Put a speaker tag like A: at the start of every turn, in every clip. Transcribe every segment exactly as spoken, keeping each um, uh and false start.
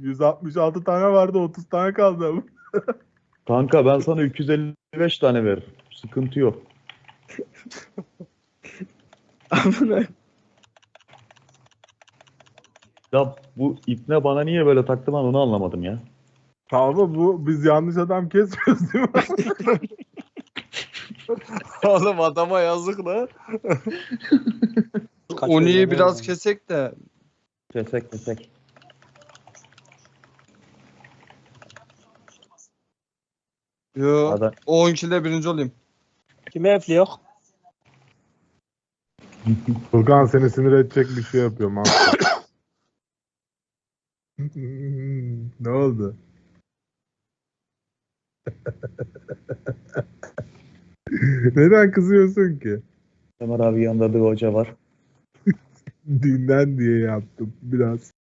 A: yüz altmış altı tane vardı, otuz tane kaldı ama.
B: Kanka ben sana iki yüz elli beş tane veririm. Sıkıntı yok.
C: Amına.
B: Ya bu ipne bana niye böyle taktı ben onu anlamadım ya.
A: Ama bu biz yanlış adam kesmiyoruz değil mi?
D: Oğlum adama yazık la.
C: Kaç
D: Uni'yi
C: oluyor,
D: biraz
C: ne
D: kesek de.
B: Kesek kesek.
D: Yo.
B: Hadi.
D: O on kilo birinci olayım.
C: Kime efli yok?
A: Furkan seni sinir edecek bir şey yapıyorum abi. Ne oldu? Neden kızıyorsun ki?
B: Ömer abi yanında bir hoca var.
A: Dünden diye yaptım biraz.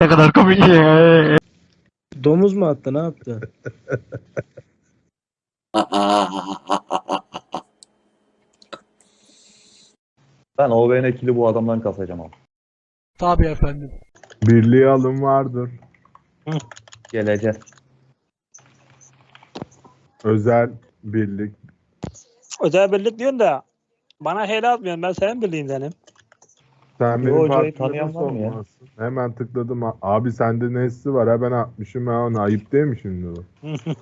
C: Domuz mu attı, ne yaptı?
B: Ben O B N kili bu adamdan kasacağım abi.
E: Tabii efendim.
A: Birliğe alım vardır.
B: Geleceğiz.
A: Özel birlik.
C: Özel birlik diyorsun da bana helal atmıyorsun, ben senin birliğindenim.
A: Sen
B: Bu
A: benim
B: hocayı
A: partide
B: tanıyan
A: nasıl
B: var mı ya?
A: olmazsın? Hemen tıkladım. Abi sende nesli var ha, ben atmışım ha onu. Ayıp değil mi şimdi bu?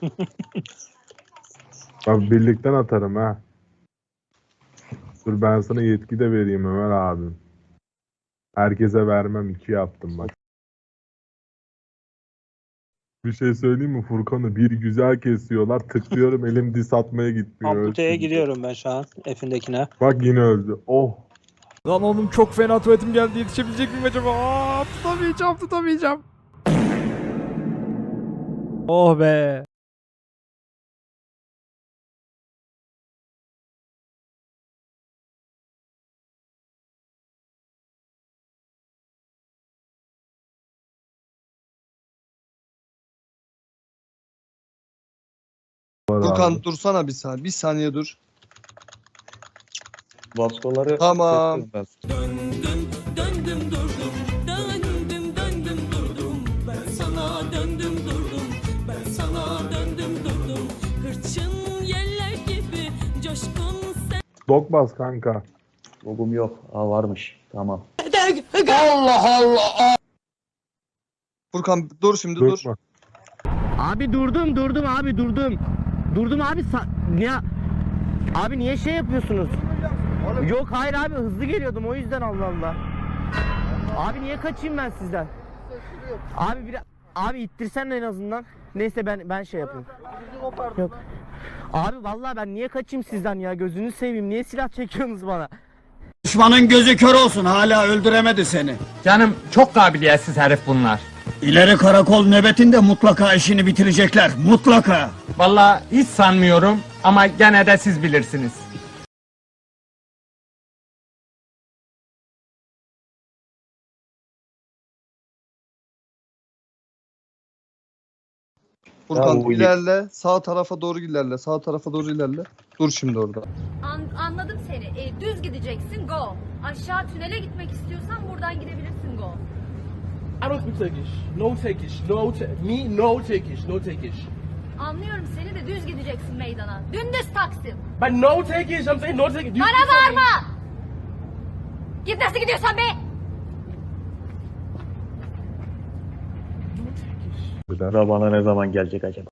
A: Bak birlikten atarım ha. Dur ben sana yetki de vereyim Ömer abim. Herkese vermem, iki yaptım bak. Bir şey söyleyeyim mi? Furkan'ı bir güzel kesiyorlar. Tıklıyorum elim dis atmaya gitmiyor.
C: Amputeye
A: Öldü.
C: gidiyorum ben şu an F'indekine.
A: Bak yine öldü. Oh.
E: Lan oğlum çok fena tuvaletim geldi, yetişebilecek miyim acaba? Aa, tutamayacağım tutamayacağım. Oh be.
A: Var
D: Furkan
A: abi.
D: dursana bir saniye. Bir saniye dur.
B: Vaskoları
D: Tamam.
B: kesiyorum ben.
F: Döndüm, döndüm durdum, döndüm, döndüm durdum. Ben sana döndüm durdum, ben sana döndüm durdum. Hırçın yeller gibi coşkun sen.
A: Dok bas kanka.
B: Logum yok. Aa varmış. Tamam.
D: Furkan dur şimdi
A: Dok
D: dur.
A: bas.
G: Abi durdum durdum abi durdum. Durdum abi sa- niye abi niye şey yapıyorsunuz? Yok hayır abi hızlı geliyordum o yüzden Allah Allah. Abi niye kaçayım ben sizden? Abi bir abi ittirsen en azından. Neyse ben ben şey yapayım. Yok. Abi vallahi ben niye kaçayım sizden ya, gözünü seveyim, niye silah çekiyorsunuz bana?
H: Düşmanın gözü kör olsun, hala öldüremedi seni.
I: Canım çok kabiliyetsiz herif bunlar.
H: İleri karakol nöbetinde mutlaka işini bitirecekler, mutlaka.
I: Vallahi hiç sanmıyorum ama gene de siz bilirsiniz.
D: Furkan
B: Ya bu-
D: ilerle. Sağ tarafa doğru ilerle. Sağ tarafa doğru ilerle. Dur şimdi orada.
J: An- anladım seni. E, düz gideceksin, go. Aşağı tünele gitmek istiyorsan buradan gidebilirsin, go.
E: I don't speak Turkish. No Turkish. No me no Turkish. No Turkish.
J: Anlıyorum seni de düz gideceksin meydana. Dümdüz Taksim.
E: But no Turkish. I'm saying no Turkish.
J: Bana bağırma! Git nasıl gidiyorsan be!
B: Sıra bana ne zaman gelecek acaba?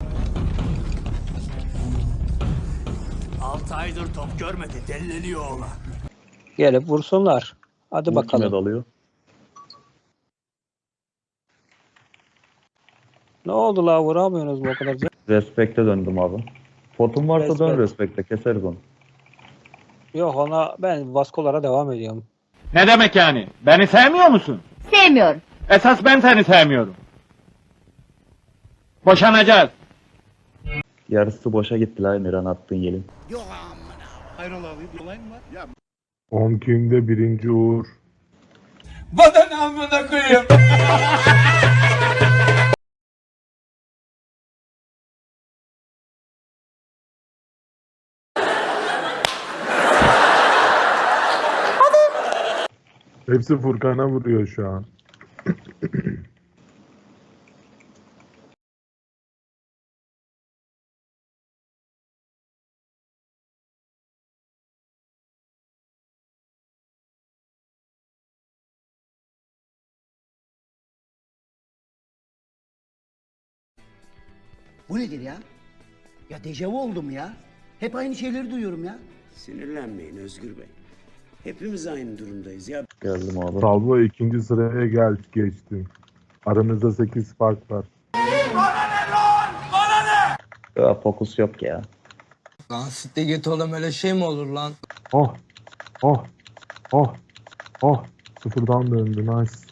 H: altı aydır top görmedi, delleniyor oğlan.
C: Gelip vursunlar. Hadi
B: Bu kime
C: bakalım.
B: dalıyor?
C: Ne oldu la, vuramıyorsunuz mu o kadar?
B: Respekte döndüm abi. Potum varsa dön
C: Respect.
B: respekte, keseriz onu.
C: Yok, ona ben vaskolara devam ediyorum.
I: Ne demek yani? Beni sevmiyor musun?
J: Sevmiyorum.
I: Esas ben seni sevmiyorum. Boşanacağız.
B: Yarısı boşa gitti la Emirhan attığın yelin.
A: on günde birinci Uğur.
H: Bana ne amına koyayım?
A: Hepsi Furkan'a vuruyor şu an.
H: Bu nedir ya? Ya dejavu oldum ya. Hep aynı şeyleri duyuyorum ya.
K: Sinirlenmeyin Özgür Bey. Hepimiz aynı durumdayız ya.
B: Geldim abi.
A: Salvo ikinci sıraya gel geçtin. Aranızda sekiz fark var.
B: Ya fokus yok ya.
G: Lan sitte git oğlum, öyle şey mi olur lan?
A: Oh. Oh. Oh. Oh. Sıfırdan döndü. Nice.